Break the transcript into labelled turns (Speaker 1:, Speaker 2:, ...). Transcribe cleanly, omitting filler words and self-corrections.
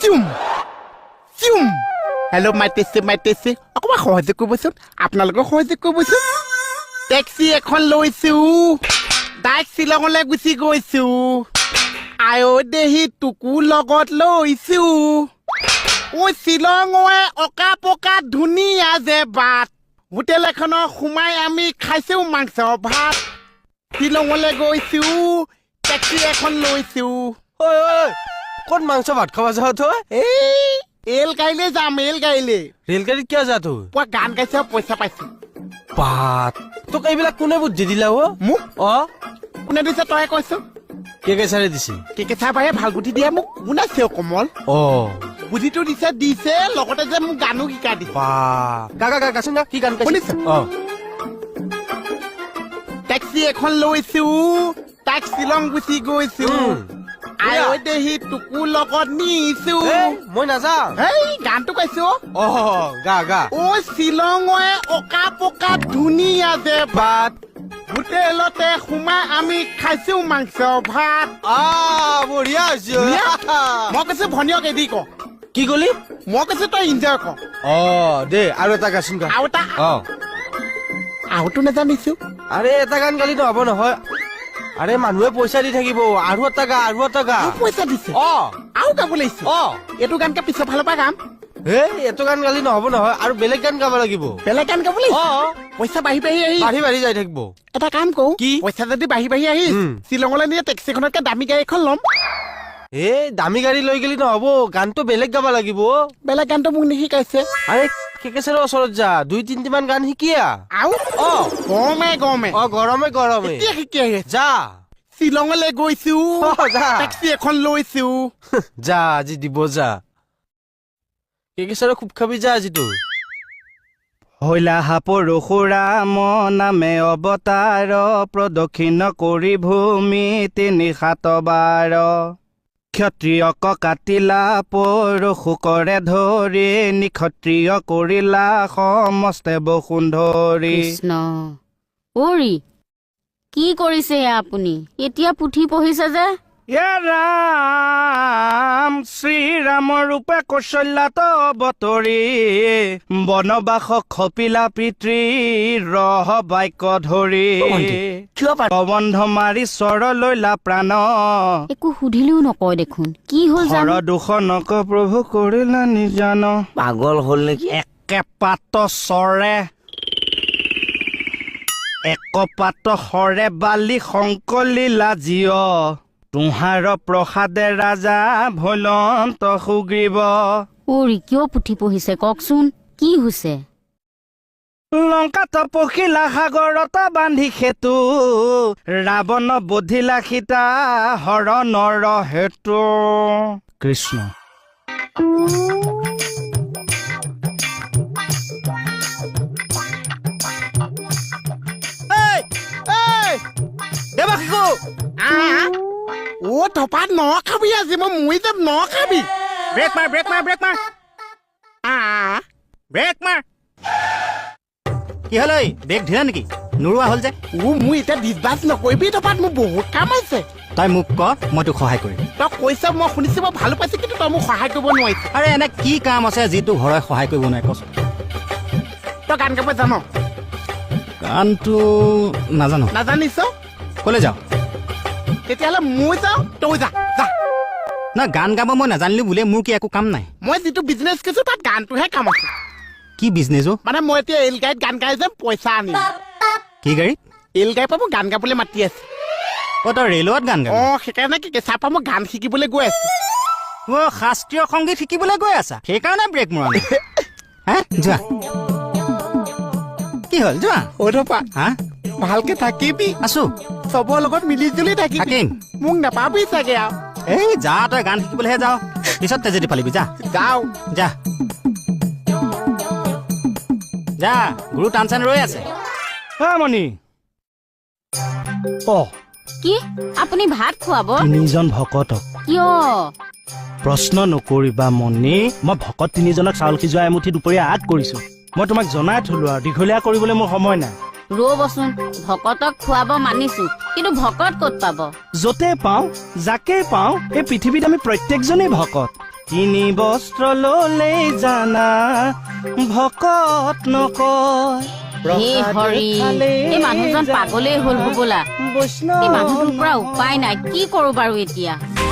Speaker 1: চিউম চিউম hello' মাইতেছে অকণমান সহযোগ কৰিবচোন আপোনালোকক সহযোগ কৰিবচোন টেক্সি এখন লৈছো ডাইৰেক্ট শ্বিলঙলৈ গুচি গৈছো আয়ো দেহি তোকো লগত লৈছো ঐ শ্বিলঙে অকা পকা ধুনীয়া যে বাট হোটেল এখনৰ সোমাই আমি খাইছো মাংস ভাত শ্বিলঙলৈ গৈছো টেক্সি এখন লৈছো
Speaker 2: ঐ ক'ত মাংস ভাত খাব যাৱ তই
Speaker 1: এই এল গাড়ীলৈ যাম এল গাড়ীলৈ
Speaker 2: ৰেলগাড়ীত কিয় যা তই
Speaker 1: পুৱা গান গাইছে পইচা পাইছো
Speaker 2: বাত তোক এইবিলাক কোনে বুদ্ধি দিলা
Speaker 1: মোক
Speaker 2: অ
Speaker 1: কোনে দিছে তই কৈছ
Speaker 2: কেকেচাৰে দিছে
Speaker 1: কেকেচা বাৰে ভাল বুদ্ধি দিয়া মোক কোন আছে কমল
Speaker 2: অ
Speaker 1: বুদ্ধিটো দিছে লগতে যে মোক গানো শিকাই দিছে
Speaker 2: বা গাচোন গা কি গান
Speaker 1: শুনিছ?
Speaker 2: অ
Speaker 1: টেক্সি এখন লৈছো তাক শ্বিলং গুচি গৈছো আয়ো দেহি তোকো লগত নিছো
Speaker 2: মই নাযাওঁ
Speaker 1: এই গানটো গাইছো
Speaker 2: অ গা
Speaker 1: ঐ শ্বিলঙে অকা পকা ধুনীয়া যে ভাত হোটেলতে সোমাই আমি খাইছো মাংস ভাত
Speaker 2: বঢ়িয়া হৈছে
Speaker 1: মই কৈছো ভনীয়ক এদি ক
Speaker 2: কি কলি
Speaker 1: মই কৈছো তই ইনজয় কৰ
Speaker 2: অ দে আৰু এটা গাচোন গা
Speaker 1: আৰু এটা
Speaker 2: অ
Speaker 1: আৰুতো নাজানিছো
Speaker 2: আৰে এটা গান গালি নহ'ব নহয় আৰে মানুহে পইচা দি থাকিব আৰু এটা গা
Speaker 1: আৰু পইচা দিছে
Speaker 2: অ
Speaker 1: আৰু গাব লাগিছে
Speaker 2: অ
Speaker 1: এইটো গানকে পিছৰ ফালৰ পৰা গাম
Speaker 2: এইটো গান গালি নহ'ব নহয় আৰু বেলেগ গান গাব লাগিব
Speaker 1: বেলেগ গান গাব লাগিছে
Speaker 2: অ
Speaker 1: পইচা বাঢ়ি
Speaker 2: বাঢ়ি যাই থাকিব
Speaker 1: এটা কাম কৰো
Speaker 2: কি?
Speaker 1: পইচা যদি বাঢ়ি আহি শ্বিলঙলৈ নিয়ে টেক্সিখনতকে দামী গাড়ী এখন ল'ম
Speaker 2: দামী গাড়ী লৈ গেলি নহ'ব গানটো বেলেগ গাব লাগিব
Speaker 1: বেলেগ গানটো মোক নিশিকাইছে
Speaker 2: আৰে কেকেচাৰৰ ওচৰত যা 2-3 মান গান শিকিয়া
Speaker 1: আৰু
Speaker 2: অ
Speaker 1: গৰমে
Speaker 2: অ গৰমে
Speaker 1: এতিয়া শিকি আহি আছে
Speaker 2: যা
Speaker 1: শ্বিলঙলৈ গৈছো
Speaker 2: যা
Speaker 1: টেক্সি এখন লৈছো
Speaker 2: যা আজি দিব যা কেকেচাৰৰ খুব খাবি যা আজি তোৰ
Speaker 3: হৈলা পৰশুৰা নামে অৱতাৰ প্ৰদক্ষিণ কৰি ভূমি 3-7 বাৰ ক্ষত্ৰিয়ক কাটিলা পৰশু কৰে ধৰি নিক্ষত্ৰিয় কৰিলা সমস্তে বসুন্ধৰি
Speaker 4: কৃষ্ণ অৰি কি কৰিছে আপুনি এতিয়া পুথি পঢ়িছে যে
Speaker 3: ৰাম শ্ৰীৰামৰ ৰূপে কৌশল্যাত অৱতৰি বনবাস খপিলা পিতৃ ৰহ বাক্য ধৰি প্ৰবন্ধ মাৰি স্বৰ লৈলা প্ৰাণ
Speaker 4: একো সুধিলেও নকয় দেখোন কি হ'ল
Speaker 3: হৰ দূষণক প্ৰভু কৰিলা নিজান
Speaker 2: পাগল হ'ল নেকি
Speaker 3: একে পাত চৰে একপাত হৰে বালি সংকলিলা জীয় তোহাৰ প্ৰসাদে ৰাজা ভৈলন্ত সুগ্ৰীৱ
Speaker 4: অৰি কিয় পুথি পঢ়িছে কওকচোন কি হৈছে
Speaker 3: লংকাত পখিলা সাগৰত বান্ধি সেতু ৰাৱণ বধিলা সীতা হৰণৰ হেতু কৃষ্ণ
Speaker 2: দেৱাশিকো
Speaker 1: ও থপাত ন খাবি আজি মই মৰি যাম ন খাবি
Speaker 3: ব্ৰেক মাৰ ব্ৰেক মাৰ কি হ'ল ঐ ব্ৰেক ধিলা নেকি নোৰোৱা হ'ল যে
Speaker 1: মোৰ এতিয়া ডিছবাছ নকৰিবি থপাত মোৰ বহুত কাম আছে
Speaker 3: তই মোক ক মই তোক সহায় কৰিম
Speaker 1: তই কৈছ মই শুনিছো মই ভালো পাইছো কিন্তু তই মোক সহায় কৰিব নোৱাৰিছ
Speaker 3: আৰে এনে কি কাম আছে যিটো ঘৰে সহায় কৰিব নোৱাৰে কচোন
Speaker 1: তই গান গাব জান
Speaker 3: গানটো
Speaker 1: নাজানিছ
Speaker 3: ক'লে যাওঁ
Speaker 1: তেতিয়াহ'লে মই যাওঁ তই যা
Speaker 3: না গান গাব মই নাজানিলো বোলে মোৰ কি একো কাম নাই
Speaker 1: মই যিটো বিজনেছ কৰিছো তাত গানটোহে কাম আছে
Speaker 3: কি বিজনেছ অ
Speaker 1: মানে মই এতিয়া এল গাড়ীত গান গাই যাম পইচা আনিম
Speaker 3: কি গাড়ীত
Speaker 1: এল গাড়ীৰ পৰা মোক গান গাবলৈ মাতি আছে
Speaker 3: অ তই ৰেলত গান গাবি
Speaker 1: সেইকাৰণে কি কেঁচাৰ পৰা মই গান শিকিবলৈ গৈ আছো
Speaker 3: অ শাস্ত্ৰীয় সংগীত শিকিবলৈ গৈ আছা সেইকাৰণে ব্ৰেক মৰা নাই হা যোৱা কি হ'ল যোৱা
Speaker 1: থপা
Speaker 3: হা
Speaker 1: ভালকে থাকিবি
Speaker 3: আছো
Speaker 1: চবৰ লগত মিলি জুলি থাকিবি মোক নাপাবি চাগে আৰু
Speaker 3: এই যা তই গান শিকিবলৈহে যাওঁ পিছত তেজেদি ফালিবি যা
Speaker 1: যাওঁ
Speaker 3: যা যা গুৰু টানচান ৰৈ আছে মণি
Speaker 4: কি আপুনি ভাত খুৱাব
Speaker 3: 3জন ভকতক
Speaker 4: কিয়
Speaker 3: প্ৰশ্ন নকৰিবা মণি মই ভকত 3জনক চাউল সিজোৱা এমুঠি দুপৰীয়া আগ কৰিছো মই তোমাক জনাই থলো আৰু দীঘলীয়া কৰিবলৈ মোৰ সময় নাই
Speaker 4: ৰ'বচোন ভকতক খুৱাব মানিছো কিন্তু ভকত ক'ত পাব
Speaker 3: য'তে পাওঁ যাকে পাওঁ এই পৃথিৱীত আমি প্ৰত্যেকজনেই ভকত তিনি বস্ত্ৰ ললেই জানা ভকত নকয়
Speaker 4: হে হৰি এই মানুহজন পাগলেই হ'ল হবলা এই মানুহটোৰ পৰা উপায় নাই কি কৰো বাৰু এতিয়া